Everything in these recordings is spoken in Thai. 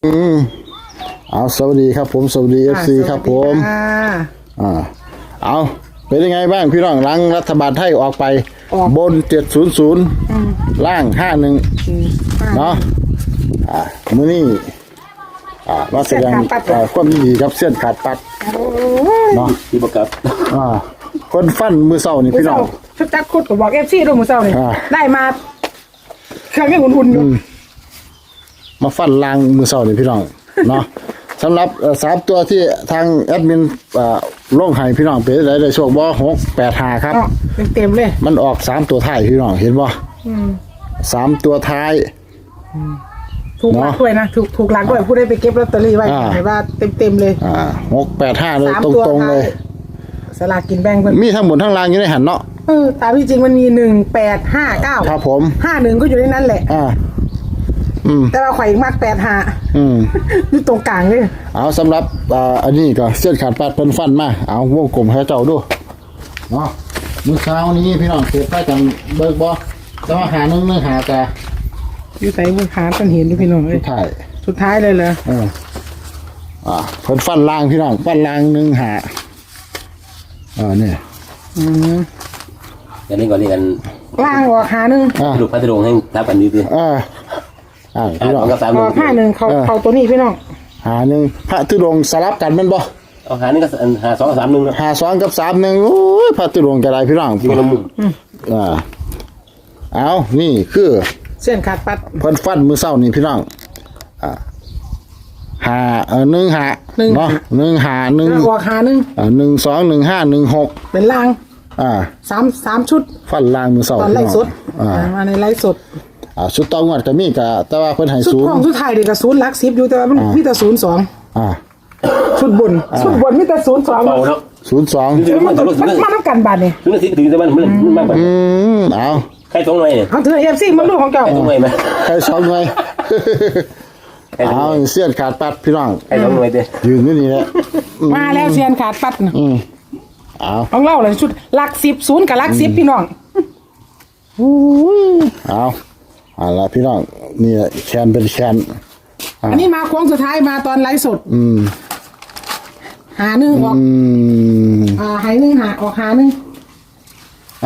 เอาสวัสดีครับผมสวัสดี FC ครับผมเอาเป็นยังไงบ้างพี่น้องหลังรัฐบาลไทยออกไปบน700ล่าง51เนาะมื้อนี้มาแสดงความยินดีกับเส้นขาดปัดเนาะที่ประกับคนฟันมือเศร้านี่พี่น้องชุดจักรคุดก็บอก FC ด้วยมือเศร้านี่ได้มาเครื่องยังอุ่นๆอยู่มาฟันลางมือเศร้านี่พี่น้องเนาะสำหรับ3ตัวที่ทางแอดมินลงให้พี่น้องเป็นได้โชคบ่685ครับเต็มเลยมันออก3ตัวท้ายพี่น้องเห็นบ่3ตัวท้ายถูกหลักด้วยนะถูกหลักด้วยผู้ได้ไปเก็บลอตเตอรี่ไว้เห็นว่าเต็มเลย 685เลยตรงๆเลยสลากกินแบ่งเพิ่นมีทั้งหมดทั้งรางอยู่ในหันเนาะตามที่จริงมันมี1859 ครับผม 51ก็อยู่ในนั้นแหละแต่ว่าข่อยมัก85อยู่ตรงกลางเลยเอาสำหรับอันนี้ก็เส้นขาดปัดเพิ่นฟันมาเอาวงกลมให้เจ้าดูเนาะมื้อเช้านี้พี่น้องเก็บไปจังเบิกบ่แต่ว่าหา1หาแต่อยู่ไสมื้อหาต้นเห็นอยู่พี่น้องเอ้ยสุดท้ายเลยเหรอเพิ่นฟันล่างพี่น้องฟันล่าง1หาเนี่ยอย่างนี้ก่อนนี่กันล่างออกหา1 ลูกพัดลมให้ทับกันดีๆพี่น้องผ้าหนึ่งเขาตัวนี้พี่น้องหา1พระธุดงค์สลับกันแม่นบ่เอาหา1กับหา2กับ3 1 หา2กับ31โอ้ยพระธุดงค์จะได้พี่น้องที่ละมุมเอานี่คือเส้นขาดปัดเพิ่นฟันมื้อเช้านี่พี่น้องหา1หาเนาะ1หา1 ออกหา1 1 2 1 5 1 6 เป็นล่าง3ชุดฟันล่างมื้อเช้าตอนไล่สดมาในไล่สดชุดต่องวดก็มีก็แต่ว่าเพิ่นให้0 ชุดของสุดท้ายนี่ก็0หลัก10อยู่แต่ว่ามันมีแต่02ชุดบนมีแต่02 เอาเนาะ 02 มันนำกันบาดนี่ถึงอาทิตย์ถึงแต่มันมากกว่าเอาใคร2หน่วยเนี่ยเอาถือ FC มันลูกของเจ้าใคร2หน่วยมั้ยใคร2หน่วยเอาเสี้ยนขาดปัดพี่น้องใคร2หน่วยเด้ยืนอยู่นี่แหละมาแล้วเสี้ยนขาดปัดน่ะเอาต้องเล่าเลยชุดหลัก10 0กับหลัก10พี่น้องเอาละพี่น้องนี่แคนเป็นแคนอันนี้มาโค้งสุดท้ายมาตอนไลฟ์สดหา1ออกหาย1หาออกหา1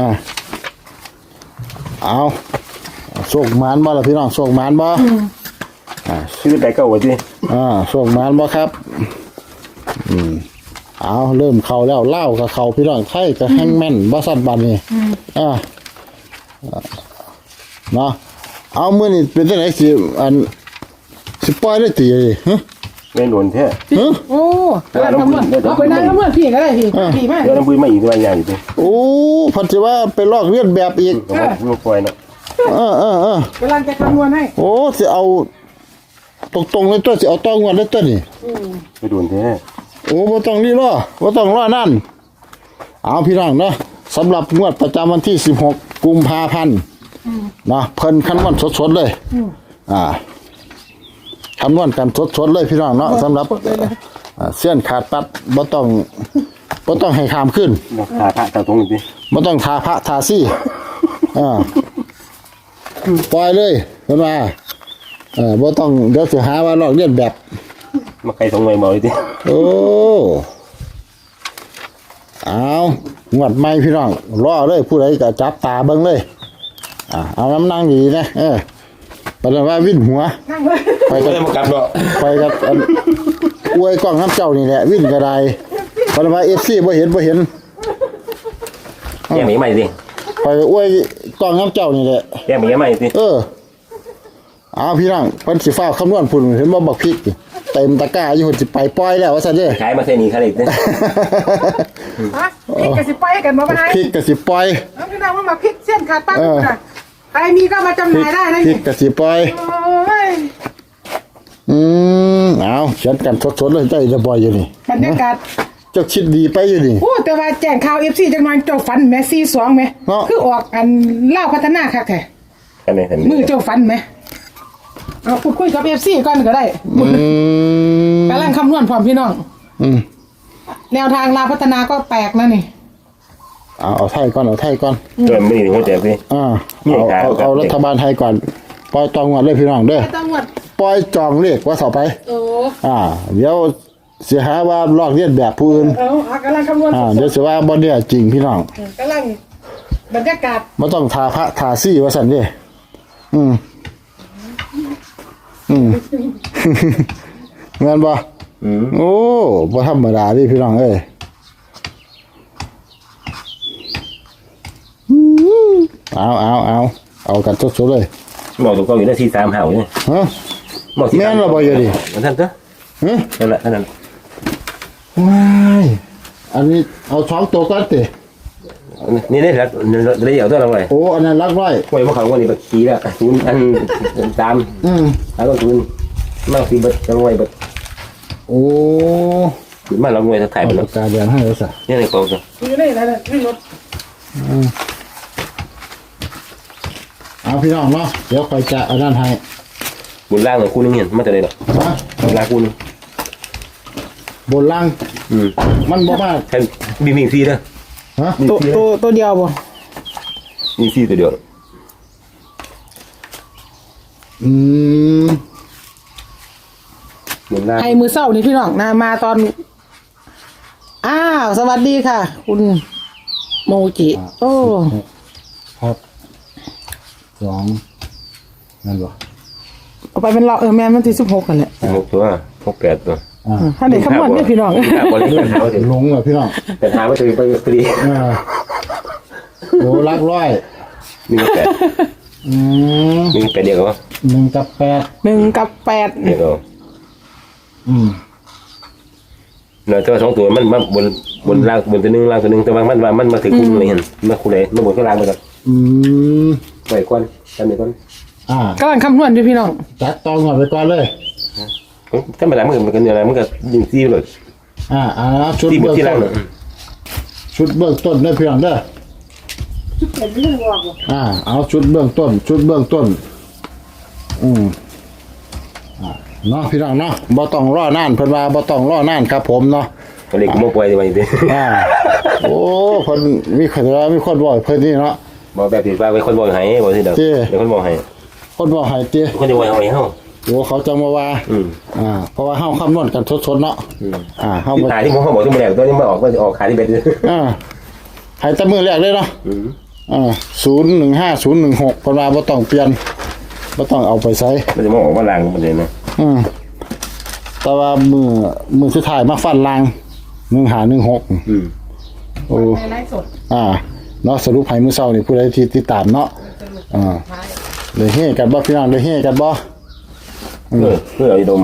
เอาโชคมานบ่ล่ะพี่น้องโชคมานบ่ชื่อแต่เก่าว่าติโชคมานบ่ครับเอาเริ่มเข้าแล้วเล่ากับเข้าพี่น้องไทยก็แฮงแม่นบ่ซัดบัดนี้เนาะเอามื้อนี้เป็นจังได๋สิปล่อยได้ติฮะแม่นโดนแท้โอ้แล้วทำมื้อเอาไปนั่งมื้อพี่ก็ได้พี่มาแล้วปุ้ยมาอีกตัวอย่างอีกโอ้พันสิว่าไปลอกเลียนแบบอีกลูกปล่อยเนาะกำลังจะคำนวณให้โอ้สิเอาตรงๆเลยตัวสิเอาต้องวันเลยตัวนี่ไปโดนแท้โอ้บ่ต้องรีรอบ่ต้องรอนั่นเอาพี่น้องเนาะสำหรับงวดประจำวันที่16กุมภาพันธ์นะเพิ่นคำนวณสดๆเลยคำนวณกันสดๆเลยพี่น้องเนาะสำหรับเส้นขาดปัดบ่ต้องให้ข้ามขึ้นทาพระตาตรงนี้บ่ต้องทาพระทาซี่ปล่อยเลยเพิ่นว่าบ่ต้องเดี๋ยวสิหาว่าลอกเลียนแบบมาใคร2หน่วยบ่เลยติโอ้เอางวดใหม่พี่น้องรอเลยผู้ใดก็จับตาเบิ่งเลยเอาน้ำนั่งดีนะแปลว่าวิ่นหัวไปก็ได้มากัดบ่ไปกับอวยกล้องน้ำเจ้านี่แหละวิ่นกระไดแปลว่า FC บ่เห็นแย่หมีใหม่สิไปอวยกล้องน้ำเจ้านี่แหละแย่หมีใหม่สิเอาพี่น้องเพิ่นสิฟ้าคำนวณพุ่นเห็นบ่บักพริกเต็มตะกร้าอยู่สิไปปล่อยแล้วว่าซั่นเด้ขายมาเท่นี้คั่นอีกเด้พริกก็สิปล่อยกันบ่ได้พริกก็สิปล่อยพี่น้องว่ามาพริกเส้นขาดปัดใครมีก็มาจำหน่ายได้นะพริกกะสิปล่อยเอาเขียนกันสดๆเลยใจจะบ่อยอยู่นี่บรรยากาศเจ้าคิดดีไปอยู่นี่โอ้แต่ว่าแจ้งข่าว FC จังหน่อยเจ้าฝันแม่42แม่คือออกอันเล่าพัฒนาคักแท้อันนี้เห็นมือเจ้าฝันแม่เอาพูดคุยกับ FC ก่อนก็ได้กำลังคำนวณพร้อมพี่น้องแนวทางลาพัฒนาก็แปลกนะนี่เอาไทยก่อนเริ่มไม่หัวใจสิเอารัฐบาลไทยก่อนปล่อยตองวดเลยพี่น้องเด้อตองวดปล่อยจองเลขว่าต่อไปโอ้เดี๋ยวเสียหาว่าลอกเลียนแบบผู้อื่นกำลังคำนวณเดี๋ยวสิว่าบ่เนี่ยจริงพี่น้องกำลังบรรยากาศบ่ต้องทาพระทาซี่ว่าซั่นเด้อืม แม่นบ่โอ้บ่ธรรมดาเดิพี่น้องเอ้ยเอากันสดๆเลยบอกตัวเก่าอยู่ได้ที่3หาอยู่นี่ฮะบอกที่แม่นล่ะบ่อยู่ดิมันท่านเด้อฮะนั่นแหละนั่นว้ายอันนี้เอา2ตัวก่อนตินี่ได้แล้วได้เอาตัวเราไว้โอ้อันนั้นรักไว้ไว้บ่เขาวันนี้บักขี้แล้วศูนย์อันตามแล้วก็ศูนย์มาสิเบิดจังไว้เบิดโอ้มาเราไว้ถ่ายไปเอาแล้วปากกาแดงให้แล้วซะนี่ในกองจ้ะอยู่ในนั้นที่รถเอาพี่น้องเนาะเดี๋ยวคอยจะเอาด้านให้บุญล่างของคู่นึงเห็นมาแต่ไหนดอกฮะบุญล่างคู่นึงบนล่างมันบ่มาแค่มีซีเด้อฮะตัวเดียวบ่มีซีตัวเดียวอืมบุญล่างให้มือเศร้านี่พี่น้องนะมาตอนสวัสดีค่ะ คุณโมจิโอ้ครับ2นั่นบ่เอาไปเป็นเราแม่มันที่16กันแหละ 6ตัว8ตัวถ้าได้คำนวณเนี่ยพี่น้องบริเวณหาว่าถึงลงเหรอพี่น้องแต่หาว่าถึงไปพอดีโอ้รักร้อยมี8 อืมมี8เดียวก็ 1กับ8 1 กับเดียวก็ เนาะแต่ว่า2ตัวมันมาบนล่างบนตัวนึงล่างตัวนึงแต่ว่ามันมาถึงคู่เลยเห็นมาคู่เลยมาบนข้างล่างไปก่อนอืมไปก่อนจำได้ก่อน 8กำลังคำนวณอยู่พี่น้องจัดตองก่อนไปก่อนเลยถ้ามาแล้วมันกันอะไรมันก็ยิงซีเลยชุดซีบนเบื้องที่ต้ล่างนเลยชุดเบื้องต้นได้เพียงเด้อเอาชุดเบื้องต้นเนาะพี่น้องเนาะบ่ต้องรอนานเพิ่นว่าบ่ต้องรอนานครับผมเนาะก็เลยกูมาปล่อยไปดิโอ้เพิ่นมีคนบอกเพิ่นนี่เนาะบอกแบบผิดว่าเป็นคนบอกให้บอกที่เดิมเป็นคนบอกให้คนบอกให้ติคนจะบอกให้เฮาโอ้เขาจะมาว่าเพราะว่าเฮาคำนวณกันสดๆเนาะเฮาขายที่ผมเขาบอกที่มันแหลกตัวนี้มาออกก็จะออกขายที่เบ็ดให้แต่มื้อแรกเลยเนาะ015 016เพิ่นว่าบ่ต้องเปลี่ยนบ่ต้องเอาไปใช้มันจะมาออกว่าลางมันเลยนะแต่ว่ามือสุดท้ายมาฟันลาง1516โอ้ในไลฟ์สดเนาะสรุปให้มื้อเช้านี่ผู้ใดที่ติดตามเนาะเลยเฮกันบ่พี่น้องเลยเฮกันบ่เพื่อไอ้ดม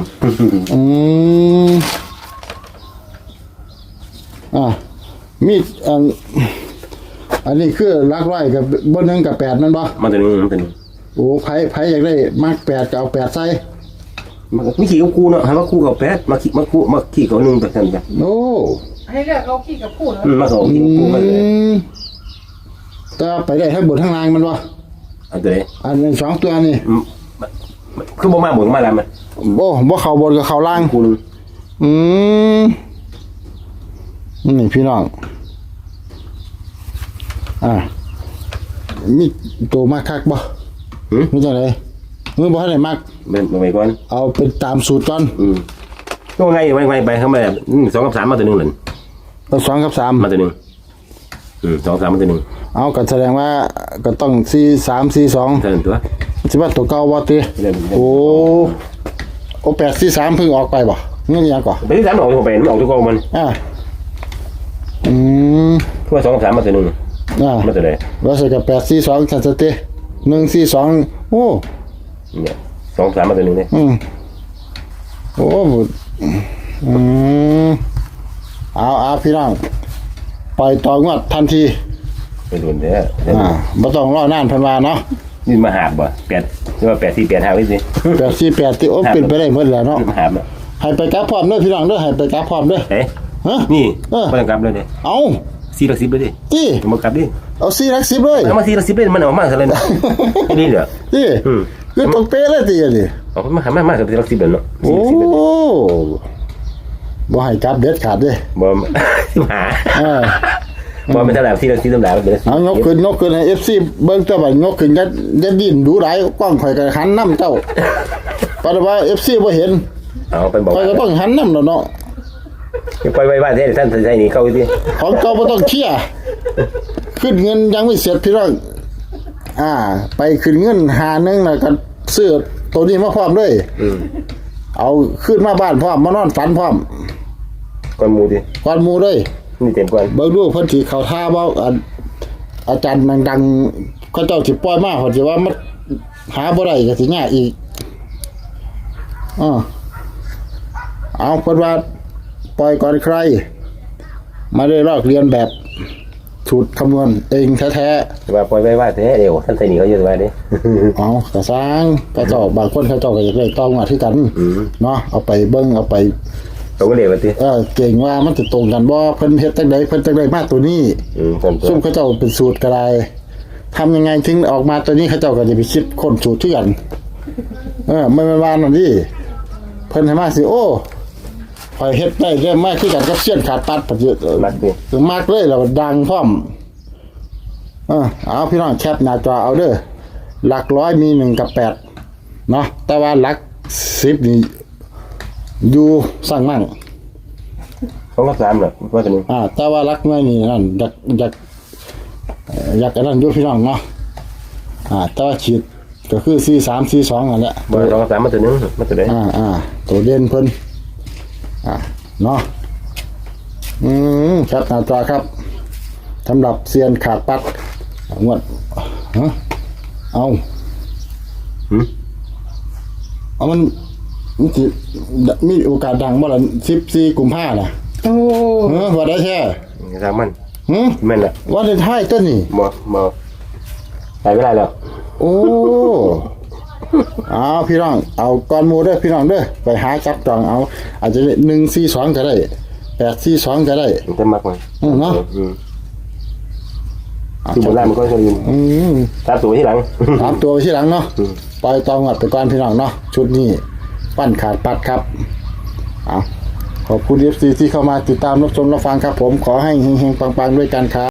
มีอันนี้คือลักร้อยกับบ่1กับ8นั่นบ่มันตัวนึงมันตัวนึงโอ้ไผอยากได้มัก8ก็เอา8ใส่มีขี่กับกูเนาะหาว่าคู่กับแปดมาขี่กับ1แบบนั้นแบบโอ้ให้เลือกเอาขี้กับพูดแล้วมาสองขี่กับกูมาเลยแต่ไปได้ทั้งบนทั้งล่างมันบ่อันตัวนี้อันนี้2ตัวนี่คือบ่มาบ่มาแล้วมันบ่เข้าบนกับเข้าล่างกูนึงนี่พี่น้องมีตัวมากคักบ่มีจังไดมือบ่ทันได้มักเป็นไปก่อนเอาเป็นตามสูตรก่อนก็ไงไปเข้ามาแบบ2กับ3มาตัวนึงเลยเอา2กับ3 มาตัวนึง2 3มาตัวนึงเอาก็แสดงว่าก็ต้อง4 3 4 2 เท่านั้นตัวสิว่าตัวเก่าบ่ติโอ้8 4 3เพิ่งออกไปบ่เงี้ยยังก่อไปที่3ออกไปมันออกตัวกองมันคือว่า2กับ3มาตัวนึงมาตัวใดแล้วใส่กับ8 4 2ซั่นซะติ1 4 2โอ้เนี่ย2 3มาตัวนึงเนี่ยโอ้เอาพี่น้องปล่อยต่องวดทันทีไปโดนเด้อบ่ต้องรอนานเพิ่นว่าเนาะนี่มาหาบบ่8คือว่า8 4 8 5ไว้สิ 848ที่โอ้เป็นไปได้หมดแล้วเนาะมาหาบเนาะให้ไปกลับพร้อมเด้อพี่น้องเด้อให้ไปกลับพร้อมเด้อเอ๊ะฮะนี่บ่ต้องกลับเลยเด้เอา 4ลัก10เลยดิตี้บ่กลับดิเอา4ลัก10เลยเอามา4ลัก10เลยมันออกมาซะเลยนะนี่เหรอตี้คือต้องเป๊ะเลยติอันนี้เอามากับ4ลัก10เลยเนาะโอ้บ่ให้กลับเด็ดขาดเด้บ่สิหาบ่เป็นเท่าไหร่ที่เราซื้อตำรามันเป็นเอายกขึ้นให้ FC เบิ่งแต่ว่ายกขึ้นจะดิ้นดูหลายกล้องข่อยก็หันนำเจ้าปานว่า FC บ่เห็นเอาไปบอกข่อยก็ต้องหันนำแล้วเนาะไปไว้บ้านท่านใส่นี่เข้าดิของเก่าบ่ต้องเคลียร์ขึ้นเงินยังไม่เสร็จพี่น้องไปขึ้นเงิน51แล้วก็ซื้อตัวนี้มาพร้อมเลย เอาขึ้นมาบ้านพร้อมมานอนฝันพร้อมก่อนหมู่ดิก่อนหมู่เลยนี่เต็มก่อนเบิ่งดูเพิ่นสิเข้าท่าบ่อาจารย์ดังๆเขาเจ้าสิปล่อยมาเพิ่นสิว่ามันหาบ่ได้ก็สิยากอีกเอาเพิ่นว่าปล่อยก่อนใครมาได้ลอกเรียนแบบสูตรคำนวณเองแท้ว่าปล่อยไว้ว่าแท้เดี๋ยวท่านใส่นี่เขาเยอะไว้ดิๆเอากระสร้างกระเจ้าบางคนเขาเจ้าก็อยากได้ต้องมาคือกันเนาะเอาไปเบิ่งเอาไปเขาก็เรียกว่าดิเก่งว่ามันจะตรงกันบ่เพิ่นเฮ็ดจังไดเพิ่นจังไดมาตัวนี้ต้นซุ่มเขาเจ้าเป็นสูตรก็ได้ทำยังไงถึงออกมาตัวนี้เขาเจ้าก็จะไปคิดค้นสูตรที่กันไม่เป็นว่านั่นดิเพิ่นให้มาสิโอ้ข่อยเฮ็ดได้เรื่องมากคือกันกับเสี้ยนขาดปัดปัดเยอะมักดิมากเลยแล้วดังพร้อมเอาพี่น้องแคปหน้าจอเอาเด้อหลักร้อยมี1กับ8เนาะแต่ว่าหลัก10นี่อยู่สร้างมั่ง 2กับ3น่ะว่าตัวนี้แต่ว่ารักไม่นี่นั่นอยากกันนั่นอยู่พี่น้องเนาะแต่ว่าฉีดก็คือ4342นั่นแหละบ่2กับ3มาตัวนึงมาตัวใดตัวเด่นเพิ่นเนาะครับหน้าจอครับสำหรับเซียนขาดปัดงวดเอามันสิมีโอกาสดังบ่ล่ะ14กุมภาพันธ์น่ะโอ้ว่าได้แท้ทางมันแแม่นล่ะว่าได้ท้ายตัวนี้บ่ไปไม่ได้แล้วโอ้ เอาพี่น้อง เอาก้อนหมูเด้อพี่น้องเด้อไปหาจับจองเอา อาจจะ142ก็ได้842ก็ได้มันจะมักมันเนาะคือโบราณมันก็จะลืมตามตัวที่หลังตามตัวไปที่หลังเนาะปล่อยตองงัดไปก่อนพี่น้องเนาะชุดนี้ปั้นขาดปัดครับเอาขอบคุณ FC ที่เข้ามาติดตามรับชมรับฟังครับผมขอให้เฮงๆปังๆด้วยกันครับ